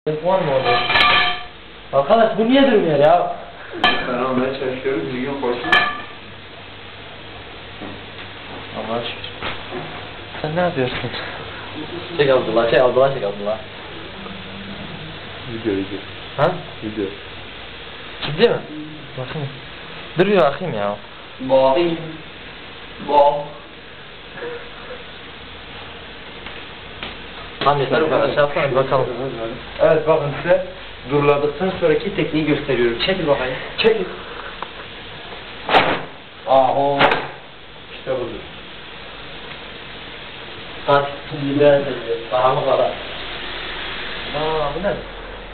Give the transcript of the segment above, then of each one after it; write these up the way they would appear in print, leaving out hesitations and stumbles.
Var mı orada? Arkadaş bu niye durmuyor ya? Ben almaya çalışıyorum, bir gün koşun. Allah'a şükür. Sen ne yapıyorsun? Çek Abdullah, çek Abdullah. Video. Ha? Video. Ciddi mi? Bakayım. Duruyor bakayım ya. Bakayım. Bak. Tamam yeter bu kadar şey yapsana bir bakalım. Evet bakın size duruladıktan sonraki tekniği gösteriyorum. Çekil bakayım. Çekil. Aho. İşte budur. Kaç lider dedi. Daha mı kadar? Bu ne?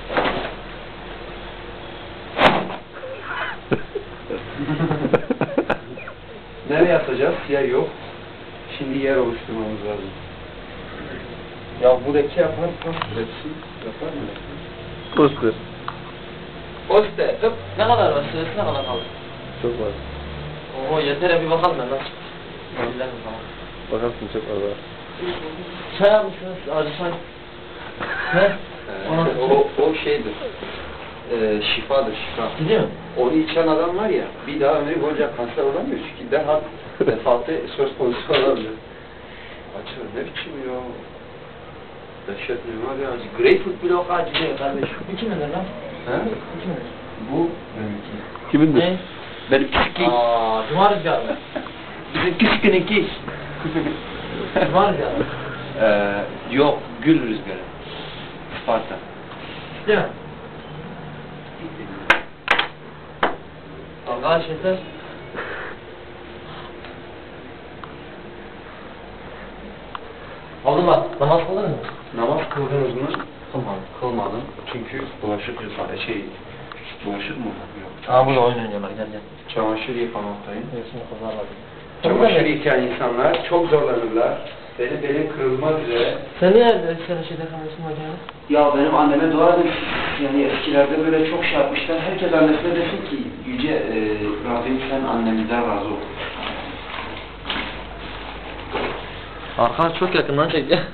Nereye atacağız? Yer yok. Şimdi yer oluşturmamız lazım. Ya buradaki yaparsan burası yapar mı? Poster. Poster. Ne kadar var? Sırası ne kadar kaldı? Çok var. Oo yeter bir bakalım ben nasıl. Bilelim tamam. Bakarsın çok var. Çay almışsınız acı çay. Ne? O şeydir. Şifadır, şifa. Gidiyor mu? Onu içen adam var ya, bir daha ömrü boyunca kanser olamıyor çünkü derhal vefatı söz konusu olabilir. Açıyor, ne biçim ya? Dehşet mi var ya? Greyfurt bile o kadar acıyor kardeşim. Bu kimin lan? He? Bu kimin? Bu benimki. Kimindir? Ne? Benim küçük Cuma rüzgarı mı? bizim küçükününki. Cuma rüzgarı mı? Yok, gül rüzgarı. Sparta. Değil mi? Arkadaş yeter. Oldu mu? Namaz kıldın mı? Namaz kıldınız mı? Kılmadım. Kılmadım. Çünkü bulaşık bulaşık mı? Yok. Burada oyun oynuyorlar gel gel. Çamaşır yıkamaktayım. Şimdi kızarlar. Çamaşır yıkayan insanlar çok zorlanırlar. Benim belim kırılmaz üzere. Sen niye sen şeyde kalıyorsun hocam? Ya benim anneme dua edin. Yani eskilerde böyle çok şey yapmışlar. Herkes annesine desin ki Yüce Rabbim sen annemizden razı ol. Arkadaş çok yakından çek ya.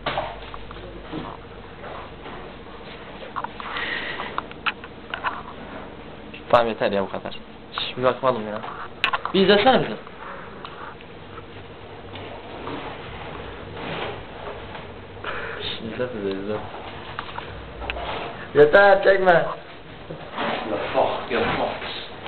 Tamam yeter ya bu kadar. Şimdi bakmadım ya. Bir izlesene bizi. İzle bizi izle. Yeter çekme. Ya fuck, ya fuck.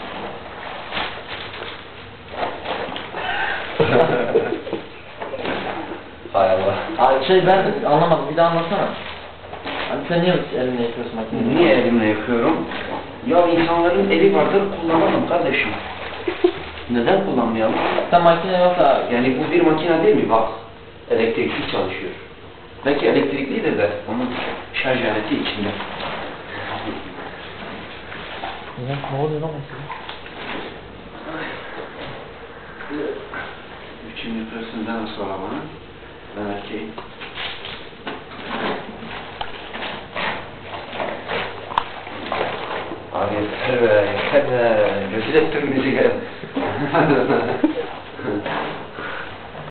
Hay Allah. Abi ben anlamadım bir daha anlatsana. Hani sen niye elinle yapıyorsun makineyi? Niye elimle yapıyorum? Ya insanların eli vardır kullanalım kardeşim. Neden kullanmayalım? Sen makine yoksa Yani bu bir makine değil mi? Bak, elektrikli çalışıyor. Belki elektriklidir de onun şarj aleti içinde. ne oluyor lan mesela? Üçüncü persönden sonra bana, ben erkeğim. Abi yeter be, rezil ettin bizi gel.